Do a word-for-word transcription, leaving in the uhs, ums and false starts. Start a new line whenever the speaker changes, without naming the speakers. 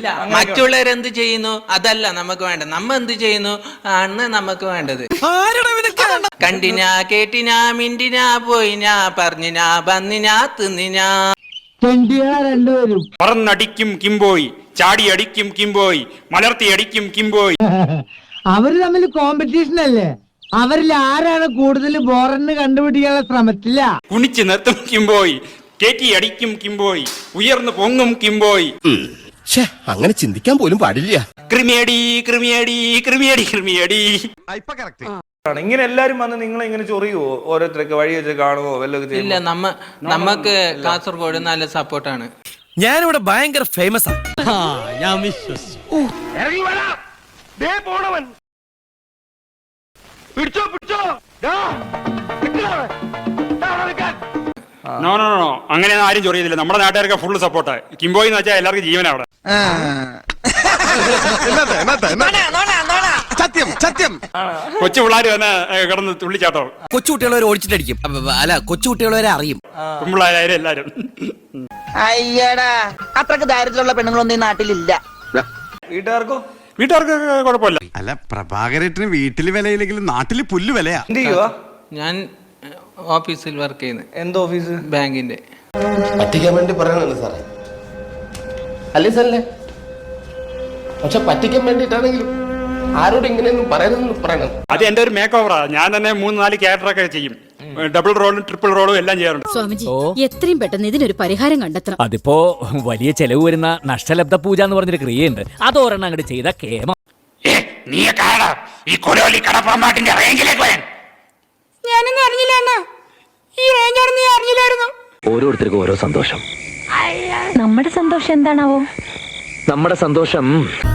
ഇല്ല, മറ്റുള്ളവരെന്ത് ചെയ്യുന്നു അതല്ല നമുക്ക് വേണ്ടത്, നമ്മ എന്ത് ചെയ്യുന്നു ആണ് നമുക്ക് വേണ്ടത്. കണ്ടിനാ കേട്ടിനാ മിണ്ടിനാ പോയിനാ പറഞ്ഞിനാ വന്നിനാ തിന്നിനാ.
പറന്നടിക്കും കിംബോയ്, ചാടി അടിക്കും കിംബോയ്, മലർത്തി അടിക്കും കിംബോയ്.
അവര് തമ്മിൽ കോമ്പറ്റീഷൻ അല്ലേ? അവരിൽ ആരാണ് കൂടുതൽ ബോറന്ന് കണ്ടുപിടിക്കാനുള്ള ശ്രമത്തില്ല.
കുണിച്ച് നിർത്തും കിംബോയ്, കേറ്റി അടിക്കും കിംബോയ്, ഉയർന്നു പൊങ്ങും കിംബോയ്.
അങ്ങനെ ചിന്തിക്കാൻ പോലും പാടില്ല.
ക്രിമിയടി ക്രിമിയടി ക്രിമിയടി ക്രിമിയടി.
ഇങ്ങനെ എല്ലാരും വന്ന് നിങ്ങളെ ഇങ്ങനെ ചൊറിയുവോ? ഓരോരുത്തരൊക്കെ വഴി വെച്ച് കാണുവോ? വല്ലതും
ഇല്ല, നമ്മ നമുക്ക് കാസർഗോഡ് നല്ല സപ്പോർട്ടാണ്.
ഞാനിവിടെ ഭയങ്കര ഫേമസ് ആണ്.
ഞാൻ വിശ്വസിച്ചു.
നോ നോ നോ അങ്ങനെ ആരും ചൊറിയതില്ല. നമ്മുടെ നാട്ടുകാർക്ക് ഫുള്ള് സപ്പോർട്ടാണ്. കിംബോയ് എന്ന് വെച്ചാൽ എല്ലാവർക്കും ജീവനാ അവിടെ.
സത്യം സത്യം.
കൊച്ചു പിള്ളേർ തന്നെ കിടന്ന് തുള്ളിച്ചാട്ടോ.
കൊച്ചുകുട്ടികളെ ഓടിച്ചിട്ടടിക്കും. അല്ല, കൊച്ചുകുട്ടികളെ അറിയും.
പെൺപിള്ളേരായാലും എല്ലാരും.
അയ്യടാ, അത്രക്ക് ദാരിദ്ര്യമുള്ള പെണ്ണുങ്ങളൊന്നും ഈ നാട്ടിലില്ല.
വീട്ടുകാർക്കോ?
വീട്ടുകാർക്ക് കുഴപ്പമില്ല.
അല്ല, പ്രഭാകരേട്ടന് വീട്ടില് വിലയില്ലെങ്കിലും നാട്ടില് പുല്ല് വിലയാ.
എന്ത് ചെയ്യുവാ?
ഞാൻ ഓഫീസിൽ വർക്ക് ചെയ്യുന്നത്.
എന്ത് ഓഫീസ്?
ബാങ്കിന്റെ.
പറ്റിക്കാൻ വേണ്ടി പറയണല്ലോ സാറേ, അല്ലേ സാറല്ലേ? പക്ഷെ പറ്റിക്കാൻ വേണ്ടിയിട്ടാണെങ്കിലും ആരോട് ഇങ്ങനെയൊന്നും പറയരുതെന്ന് പറയണം.
അത് എന്റെ ഒരു മേക്ക് ഓവറാ. ഞാൻ തന്നെ മൂന്ന് നാല് ക്യാരക്ടറൊക്കെ ചെയ്യും. ഡബിൾ റോളും ട്രിപ്പിൾ റോളും എല്ലാം ചെയ്യാറുണ്ട്.
സ്വാമിജി, എത്രയും പെട്ടെന്ന് ഇതിനൊരു പരിഹാരം കണ്ടെത്തണം.
അതിപ്പോ വലിയ ചെലവ് വരുന്ന നഷ്ടലബ്ധ പൂജ എന്ന് പറഞ്ഞൊരു ക്രിയയുണ്ട്. അത് ഒരെണ്ണം അങ്ങോട്ട് ചെയ്ത കേമ.
ഞാനൊന്നും അറിഞ്ഞില്ല അണ്ണാ. ഈ റേഞ്ചാണെന്ന് ഞാൻ അറിഞ്ഞില്ലായിരുന്നു.
ഓരോരുത്തർക്കും ഓരോ സന്തോഷം.
നമ്മുടെ സന്തോഷം എന്താണാവോ?
നമ്മുടെ സന്തോഷം